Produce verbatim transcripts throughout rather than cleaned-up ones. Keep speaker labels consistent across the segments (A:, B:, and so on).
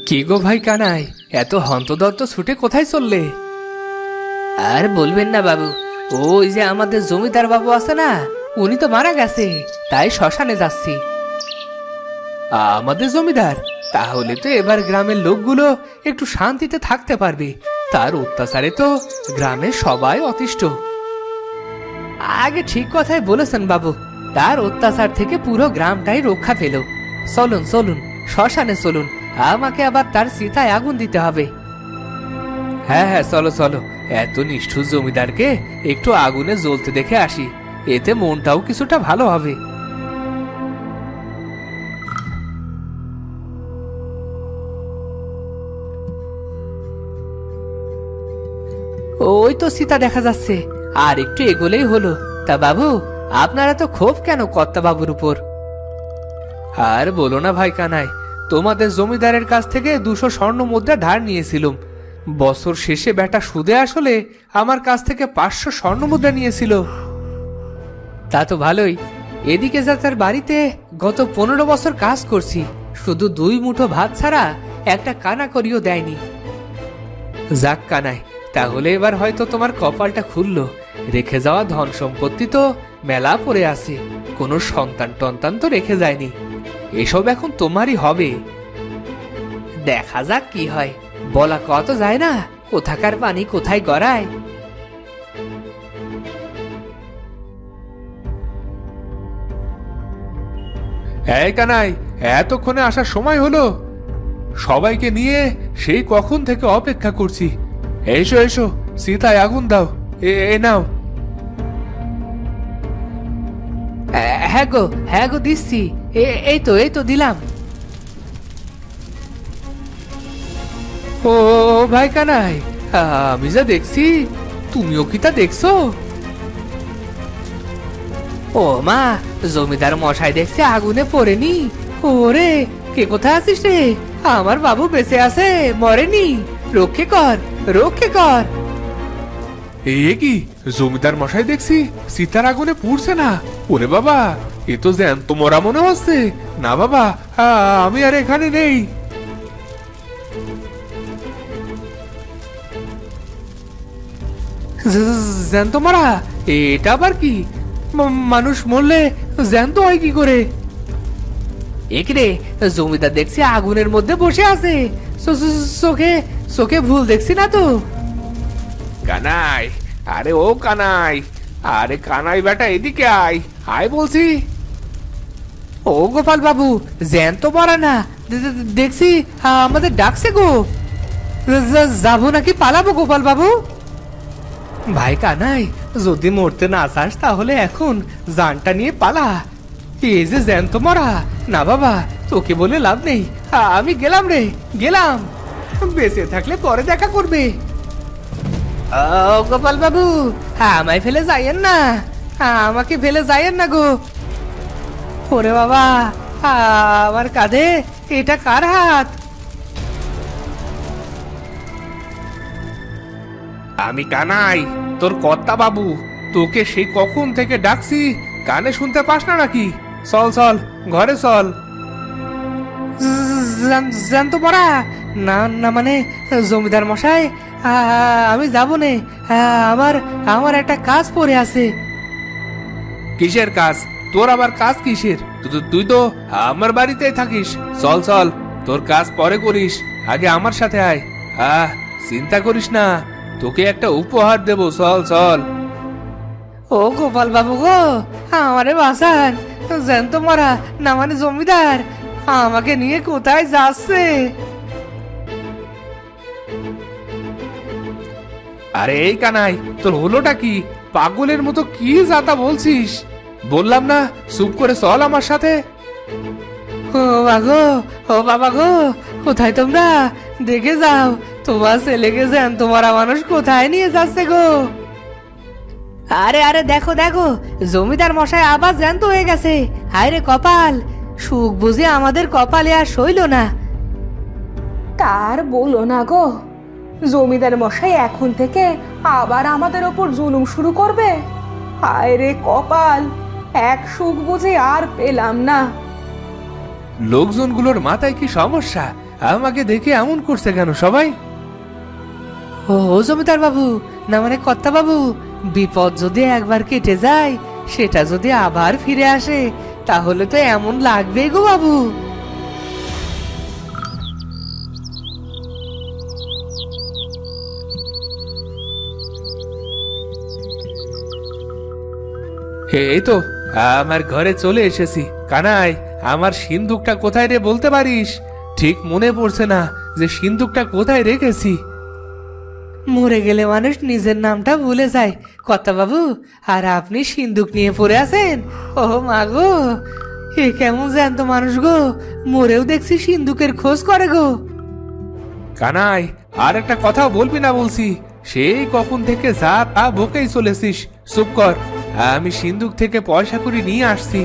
A: কি গো ভাই কানাই, এত হন্তদন্ত ছুটে কোথায় চললে? আর বলবেন না বাবু, ওই যে আমাদের জমিদার বাবু আছে না, উনি তো মারা গেছে, তাই শ্মশানে যাচ্ছি। আমাদের জমিদার? তাহলে তো এবার গ্রামের লোকগুলো একটু শান্তিতে থাকতে পারবে। তার অত্যাচারে তো গ্রামের সবাই অতিষ্ঠ। আগে ঠিক কথাই বলেছেন বাবু, তার অত্যাচার থেকে পুরো গ্রামটাই রক্ষা পেল। চলুন চলুন, শ্মশানে চলুন, আমাকে আবার তার চিতায় আগুন দিতে হবে। হ্যাঁ হ্যাঁ, চলো চলো, এত নিষ্ঠুর জমিদারকে একটু আগুনে জ্বলতে দেখে আসি, এতে মনটাও কিছুটা ভালো হবে। ওই তো সীতা দেখা যাচ্ছে, আর একটু এগোলেই হলো। তা বাবু, আপনারা তো ক্ষোভ কেন কর্তা বাবুর উপর? আর বলো না ভাই কানাই, তোমাদের জমিদারের কাছ থেকে দুশো স্বর্ণ মুদ্রা ধার নিয়েছিলাম। বছর শেষে বেটা সুদে আসলে আমার কাছ থেকে পাঁচশো স্বর্ণ মুদ্রা নিয়েছিল। তা তো ভালোই। এদিকে যা তার বাড়িতে গত পনেরো বছর কাজ করছি, শুধু দুই মুঠো ভাত ছাড়া একটা কানা করিও দেয়নি। যাক কানাই, তাহলে এবার হয়তো তোমার কপালটা খুললো। রেখে যাওয়া ধন সম্পত্তি তো মেলা পড়ে আছে, কোনো সন্তান টন্তান তো রেখে যায়নি। এসব এখন তোমারই হবে। দেখা যাক কি হয়, বলা কত যায় না, কোথাকার পানি কোথায় গড়ায়।
B: এই কানাই, এতক্ষণে আসার সময় হলো? সবাইকে নিয়ে সেই কখন থেকে অপেক্ষা করছি। এসো এসো, সীতায় আগুন দাও, এ এ নাও।
A: হ্যাঁ গো, হ্যাঁ গো, দিচ্ছি। এ- এই তো এই তো দিলাম।
B: ও ভাই কানাই, আমি যা দেখছি, তুমিও কি তা দেখছো?
A: ও মা, জমিদার মশাই দেখছে আগুনে পড়েনি। ওরে, কে কোথায় আছিস রে? আমার বাবু বেঁচে আছে, মরেনি। রক্ষে কর, রক্ষে কর।
B: এ কি, জমিদার মশাই দেখছি সীতার আগুনে পুড়ছে না। ওরে বাবা, এ তো জ্যান্ত মরা মনে হচ্ছে। না বাবা, আ- আমি আর এখানে নেই।
A: জ- জ্যান্ত মারা? এটা আবার কি? মা- মানুষ মরলে জ্যান্ত হয় কি করে? একরে, জমিদার দেখছি আগুনের মধ্যে বসে আছে। চো- চো- চোখে চোখে ভুল দেখছি না তো?
B: কানাই, আরে ও কানাই, আরে কানাই বেটা, এদিকে আয়, আয় বলছি।
A: ও গোপাল বাবু, জ্যান্ত মরা না, দে- দে- দেখছি আমাদের ডাকছে গো। যা- যাবো নাকি পালাবো গোপাল বাবু? ভাই কানাই, যদি মরতে না চাস তাহলে এখন জানটা নিয়ে পালা। এই যে জ্যান্ত মরা, না বাবা, তোকে বলে লাভ নেই। আ- আমি গেলাম রে, গেলাম। বেঁচে থাকলে পরে দেখা করবে। ও গোপাল বাবু, আমায় ফেলে যাইয়েন না, আমাকে ফেলে যাইয়েন না গো। ওরে বাবা, আমার কাঁধে এটা কার হাত?
B: আমি কানাই, তোর কর্তা বাবু। তোকে সেই কখন থেকে ডাকছি, কানে শুনতে পাস না নাকি? চল চল, ঘরে চল।
A: জান- জানতো পড়া? না না, মানে জমিদার মশাই, আ- আমি যাবো নে। আ- আমার আমার একটা কাজ পড়ে আছে।
B: কিসের কাজ? তোর আবার কাজ কিসের? তু- তু- তুই তো আমার বাড়িতেই থাকিস। চল চল, তোর কাজ পরে করিস, আগে আমার সাথে আয়। আহ, চিন্তা করিস না, তোকে একটা উপহার দেবো। চল চল।
A: ও গোপাল বাবু গো, আমারে বাঁচান। জ্যান্ত মরা, না মানে জমিদার আমাকে নিয়ে কোথায় যাচ্ছে?
B: আরে এই কানাই, তোর হলোটা কি? পাগলের মতো কি যাতা বলছিস? বললাম না, চুপ করে চল আমার সাথে।
A: ও বাগো, ও বাবা গো, কোথায় তোমরা? দেখে যাও, তোমার ছেলেকে জ্যান্ত মরা মানুষ কোথায় নিয়ে যাচ্ছে গো। আরে আরে, দেখো দেখো, জমিদার মশাই আবার জ্যান্ত হয়ে গেছে। হায় রে কপাল, সুখ বুঝে আমাদের কপালে আর সইল না।
C: তার বলো না গো, জমিদার মশাই এখন থেকে আবার আমাদের ওপর জুলুম শুরু করবে। হায় রে কপাল, এক সুখ বুঝে আর পেলাম না।
B: লোকজনগুলোর মাথায় কি সমস্যা? আমাকে দেখে এমন করছে কেন সবাই?
A: ও জমিদার বাবু, না মানে কর্তা বাবু, বিপদ যদি একবার কেটে যায় সেটা যদি আবার ফিরে আসে তাহলে তো এমন লাগবে গো বাবু।
B: এই তো আমার ঘরে চলে এসেছি। কানাই, আমার সিন্দুকটা কোথায় রে বলতে পারিস? ঠিক মনে পড়ছে না যে সিন্দুকটা কোথায় রেখেছি।
A: মরে গেলে মানুষ নিজের নামটা ভুলে যায় কর্তা বাবু, আর আপনি সিন্দুক নিয়ে পড়ে আছেন। ও মা গো, এ কেমন জ্যান্ত মানুষ গো, মরেও দেখছি সিন্দুকের খোঁজ করে গো।
B: কানাই, আর একটা কথা বলবি না বলছি। সেই কখন থেকে যা তা বকেই চলেছিস। চুপ কর, আমি সিন্দুক থেকে পয়সা করে নিয়ে আসছি।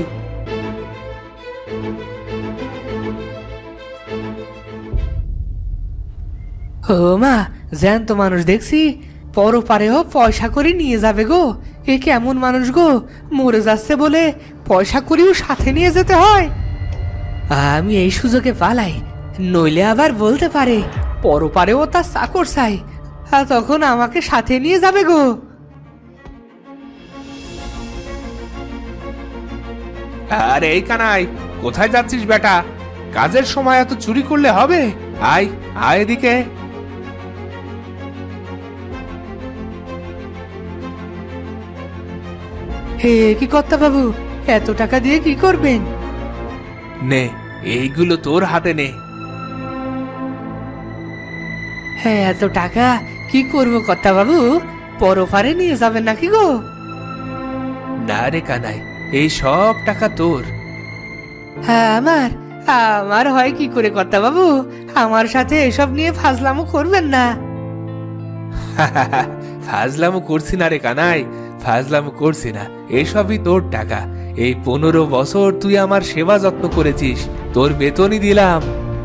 A: ও মা, জ্যান্ত মানুষ দেখছি, পরপারেও পয়সা করে নিয়ে যাবে গো। এ কেমন মানুষ গো, মরে যাচ্ছে বলে পয়সা করেও সাথে নিয়ে যেতে হয়। আমি এই সুযোগে পালাই, নইলে আবার বলতে পারে পরপারেও তার চাকর চাই, আর তখন আমাকে সাথে নিয়ে যাবে গো।
B: আরে এই কানাই, কোথায় যাচ্ছিস বেটা? কাজের সময় এত চুরি করলে হবে? আয় আয় এদিকে।
A: হে কি কর্তা বাবু, এত টাকা দিয়ে কি করবেন?
B: নে, এইগুলো তোর হাতে নে।
A: হ্যাঁ, এত টাকা কি করবো কর্তা বাবু? পরপারে নিয়ে যাবেন নাকি গো?
B: না রে কানাই, এই সব টাকা তোর।
A: হ্যাঁ আমার, আমার হয় কি করে কর্তা বাবু? আমার সাথে এসব নিয়ে ফাজলামো করবেন না।
B: ফাজলামো করছি না রে কানাই, ফাজলামো করছি না। এসবই তোর টাকা। এই পনেরো বছর তুই আমার সেবা যত্ন করেছিস, তোর বেতনই দিলাম।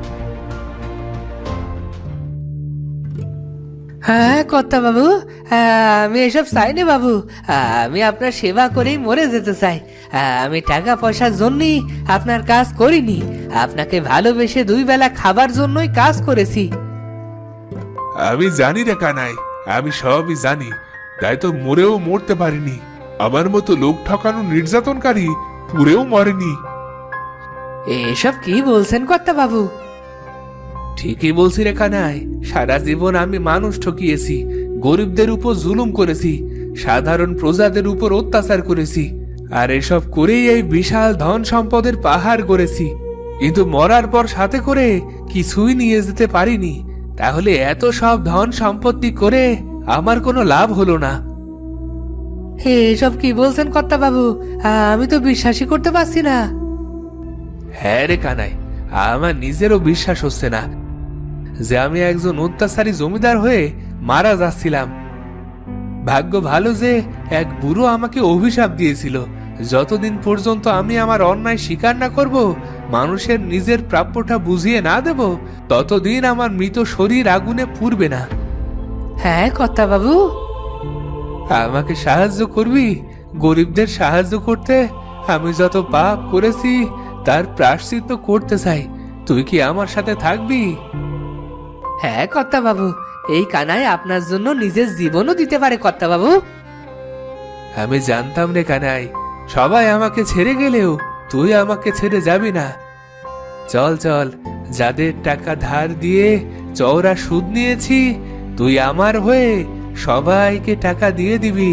A: হ্যাঁ কর্তা বাবু, আমি এসব চাইনি বাবু, আমি আপনার সেবা করেই মরে যেতে চাই। আমি টাকা পয়সার জন্যই আপনার কাজ করিনি, আপনাকে ভালোবেসে দুই বেলা খাবার জন্যই কাজ করেছি।
B: আমি জানি রে কানাই, আমি সবই জানি, তাই তো মরেও মরতে পারিনি। আমার মতো লোক ঠকানো নির্যাতনকারী পুরেও মরেনি।
A: এসব কি বলছেন কর্তা বাবু?
B: ঠিকই বলছি রে কানাই, সারা জীবন আমি মানুষ ঠকিয়েছি, গরিবদের উপর জুলুম করেছি, সাধারণ প্রজাদের উপর অত্যাচার করেছি, আর এসব করেই এই বিশাল ধন সম্পদের পাহাড় গড়েছি। কিন্তু মরার পর সাথে করে কিছুই নিয়ে যেতে পারিনি। তাহলে এত সব ধন সম্পত্তি করে আমার কোনো লাভ হলো না।
A: এসব কি বলছেন কর্তা বাবু? আমি তো বিশ্বাসই করতে পারছি না।
B: হ্যাঁ রে কানাই, আমার নিজেরও বিশ্বাস হচ্ছে না যে আমি একজন অত্যাচারী জমিদার হয়ে মারা যাচ্ছিলাম। ভাগ্য ভালো যে এক বুড়ো আমাকে অভিশাপ দিয়েছিল, যতদিন পর্যন্ত আমি আমার অন্যায় স্বীকার না করব, মানুষের নিজের প্রাপ্যটা বুঝিয়ে না দেব, ততদিন আমার মৃত শরীর আগুনে পুড়বে না।
A: হ্যাঁ কর্তা বাবু,
B: আমাকে সাহায্য করবি? গরিবদের সাহায্য করতে আমি যত পাপ করেছি তার প্রায়শ্চিত্ত করতে চাই। তুই কি আমার সাথে থাকবি?
A: হ্যাঁ কর্তা বাবু, এই কানাই আপনার জন্য নিজের জীবনও দিতে পারে কর্তা বাবু।
B: আমি জানতাম রে কানাই, সবাই আমাকে ছেড়ে গেলেও তুই আমাকে ছেড়ে যাবি না। চল চল, যাদের টাকা ধার দিয়ে চওড়া সুদ নিয়েছি, তুই আমার হয়ে সবাইকে টাকা দিয়ে দিবি।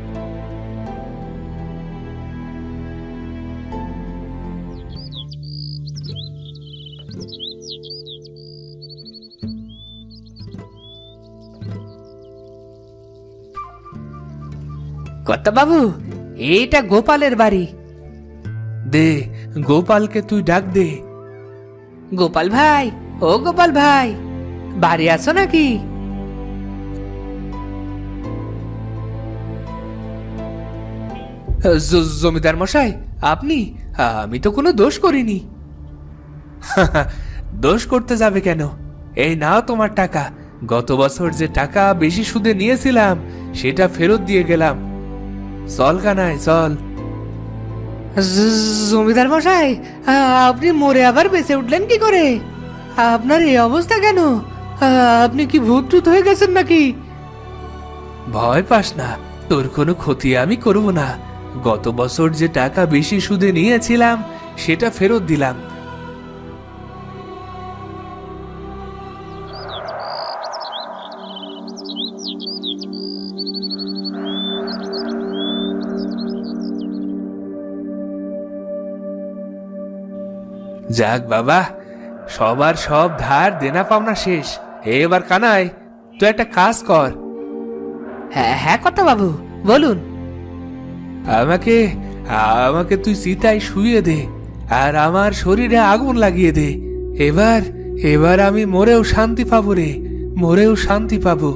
A: কর্তা বাবু, এইটা গোপালের বাড়ি।
B: দে, গোপালকে তুই ডাক দে।
A: গোপাল ভাই, ও গোপাল ভাই, বাড়ি আছো নাকি?
B: জ- জমিদার মশাই, আপনি? আমি তো কোনো দোষ করিনি। দোষ করতে যাবে কেন? এই নাও তোমার টাকা। গত বছর যে টাকা বেশি সুদে নিয়েছিলাম সেটা ফেরত দিয়ে গেলাম। চল কানাই চল।
A: জ- জমিদার মশাই, আপনি মরে আবার বেঁচে উঠলেন কি করে? আপনার এই অবস্থা কেন? আপনি কি ভূত টুত হয়ে গেছেন নাকি?
B: ভয় পাস না, তোর কোনো ক্ষতি আমি করব না। গত বছর যে টাকা বেশি সুদে নিয়েছিলাম সেটা ফেরত দিলাম। যাক বাবা, সবার সব ধার দেনা পাওনা শেষ। এবার কানাই, তুই একটা কাজ কর।
A: হ্যাঁ হ্যাঁ কর্তা বাবু, বলুন।
B: আমাকে আমাকে তুই চিতায় শুয়ে দে আর আমার শরীরে আগুন লাগিয়ে দে। এবার এবার আমি মরেও শান্তি পাবো রে, মরেও শান্তি পাবো।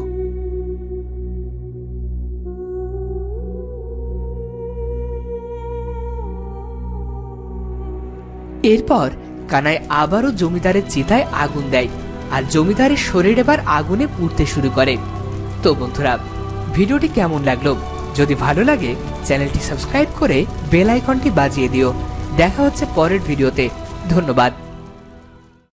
A: এরপর কানাই আবারও জমিদারের চিতায় আগুন দেয়, আর জমিদারের শরীর এবার আগুনে পুড়তে শুরু করে। তো বন্ধুরা, ভিডিওটি কেমন লাগলো? যদি ভালো লাগে চ্যানেলটি সাবস্ক্রাইব করে বেল আইকনটি বাজিয়ে দিও। দেখা হচ্ছে পরের ভিডিওতে। ধন্যবাদ।